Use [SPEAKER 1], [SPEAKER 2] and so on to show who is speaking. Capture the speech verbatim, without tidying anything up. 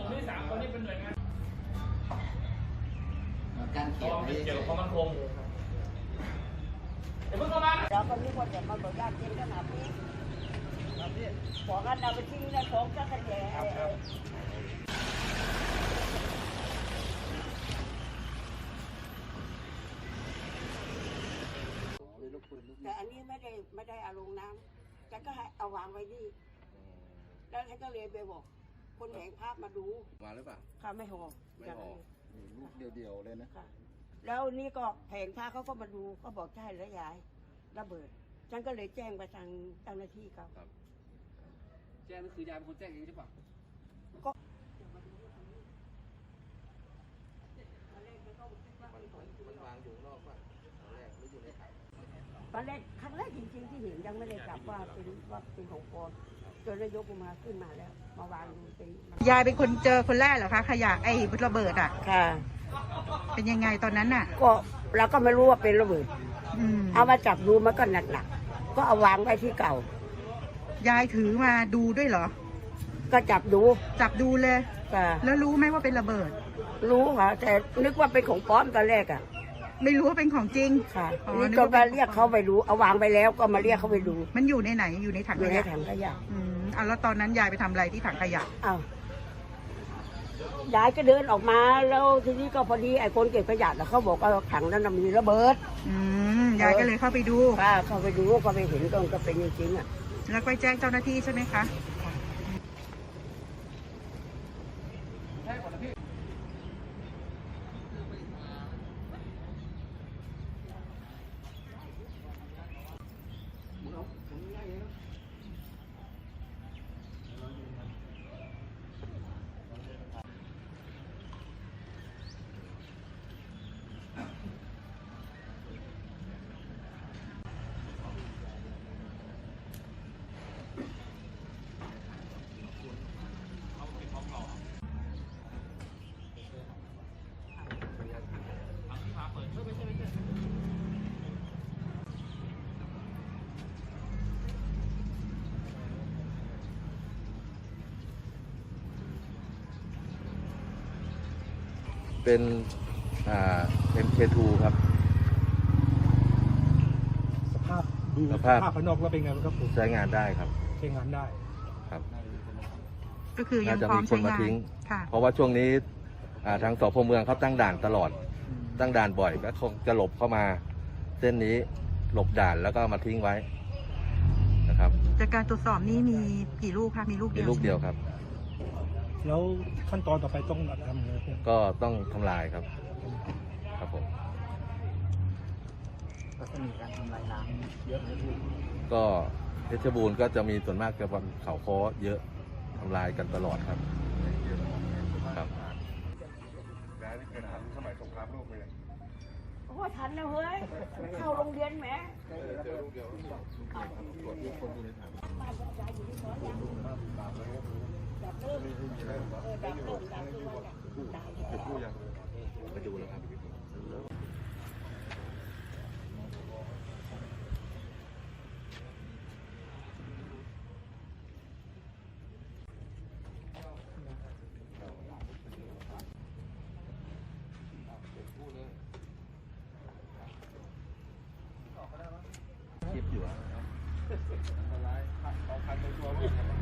[SPEAKER 1] ที่สามคนนี้เป็นหน่วยงาน
[SPEAKER 2] การเขียน
[SPEAKER 1] เกี่ยวกับความมั่นคงเดี๋ยวเพิ่งเข้ามา
[SPEAKER 3] เราก็มีคนเดียวมาบอกญาติเย็นขนาดนี้ขอกันเอาไปทิ้งในของจักรแย่แต่อันนี้ไม่ได้ไม่ได้เอาลงน้ำฉันก็ให้เอาวางไว้นี่แล้วฉันก็เลยไปบอกคนแห่งภาพมาดู
[SPEAKER 2] มาหรือเปล่า
[SPEAKER 3] ค่ะไม่หอ
[SPEAKER 2] ไม่หอลูกเดียวๆเลยนะ
[SPEAKER 3] ค่ะแล้วนี่ก็แผงผ้าเขาก็มาดูก็บอกใช่แล้วยายระเบิดฉันก็เลยแจ้งไปทางเจ้าหน้าที่เขา
[SPEAKER 4] แจ้งนั่นคือยายเป็นคนแจ้งเองใช่ปะ
[SPEAKER 3] ก็
[SPEAKER 2] มันวางอยู่นอกป่ะตอนแรกหรืออยู่ในถัง
[SPEAKER 3] ตอนแรกครั้งแรกจริงๆที่เห็นยังไม่ได้จับว่าเป็นว่าเป็นของปลอมจนนายกมาขึ้นมาแล้วมาวางดูเป็น
[SPEAKER 5] ยายเป็นคนเจอคนแรกเหรอคะขยะไอ้ระเบิดอ่ะ
[SPEAKER 3] ค่ะ
[SPEAKER 5] เป็นยังไงตอนนั้นน่ะ
[SPEAKER 3] ก็เราก็ไม่รู้ว่าเป็นระเบิดเอามาจับดูมันก็หนักๆก็เอาวางไว้ที่เก่าย
[SPEAKER 5] ายถือมาดูด้วยเหรอ
[SPEAKER 3] ก็จับดู
[SPEAKER 5] จับดูเลย
[SPEAKER 3] ค่ะ
[SPEAKER 5] แล้วรู้ไหมว่าเป็นระเบิด
[SPEAKER 3] รู้ค่ะแต่นึกว่าเป็นของปลอมตอนแรกอ่ะ
[SPEAKER 5] ไม่รู้ว่าเป็นของจริง
[SPEAKER 3] ค่ะนี่ก็มาเรียกเขาไปดูเอาวางไปแล้วก็มาเรียกเขาไปดู
[SPEAKER 5] มันอยู่ในไหนอยู่ในถังขยะ
[SPEAKER 3] อยู่ในถังขยะ
[SPEAKER 5] อืมอ่ะแล้วตอนนั้นยายไปทำอะไรที่ถังขยะ
[SPEAKER 3] อ้าว ยายก็เดินออกมาแล้วทีนี้ก็พอดีไอ้คนเก็บขยะเขาบอกว่าถังนั้นมีระเบิด
[SPEAKER 5] อืมยายก็เลยเข้าไปดู
[SPEAKER 3] ค่ะเข้าไปดูก็ไปเห็นก็เป็นจริงๆอ่ะ
[SPEAKER 5] แล้วไปแจ้งเจ้าหน้าที่ใช่ไหมคะ
[SPEAKER 2] เป็นอ่า เอ็ม เค ทู ครับ
[SPEAKER 6] สภาพดูสภาพภายนอกแล้วเป็นไงครับผม
[SPEAKER 2] ใช้งานได้ครับ
[SPEAKER 6] ใช้งานได้
[SPEAKER 2] ครับ
[SPEAKER 5] ก็คือยังพร้อมใช้งาน
[SPEAKER 2] เพราะว่าช่วงนี้ทางสพเมืองเขาตั้งด่านตลอดตั้งด่านบ่อยก็คงจะหลบเข้ามาเส้นนี้หลบด่านแล้วก็มาทิ้งไว้นะครับ
[SPEAKER 5] จากการตรวจสอบนี้มีกี่ลูกคะมีลูกเดียว
[SPEAKER 2] มีลูกเดียวครับ
[SPEAKER 6] แล้วขั้นตอนต่อไปต้องทำยังไง
[SPEAKER 2] ก็ต้องทำลายครับครับผม
[SPEAKER 4] ก็จะมีการทำลายล้างเยอะเลย
[SPEAKER 2] ก็เพชรบูรณ์ก็จะมีส่วนมากจะวันเขาค้อเยอะทำลายกันตลอดครับครับ
[SPEAKER 6] แล้วนี่เป็นทันสมัยสงครามโลกเลย
[SPEAKER 3] โอ้ทันนะเฮ้ยเข้าโรงเรียนแหม
[SPEAKER 2] เจอลูกเดียวตรวจทุกคนอยู่ในถังไปดูแล้วครับคลิปอยู่อ่ะ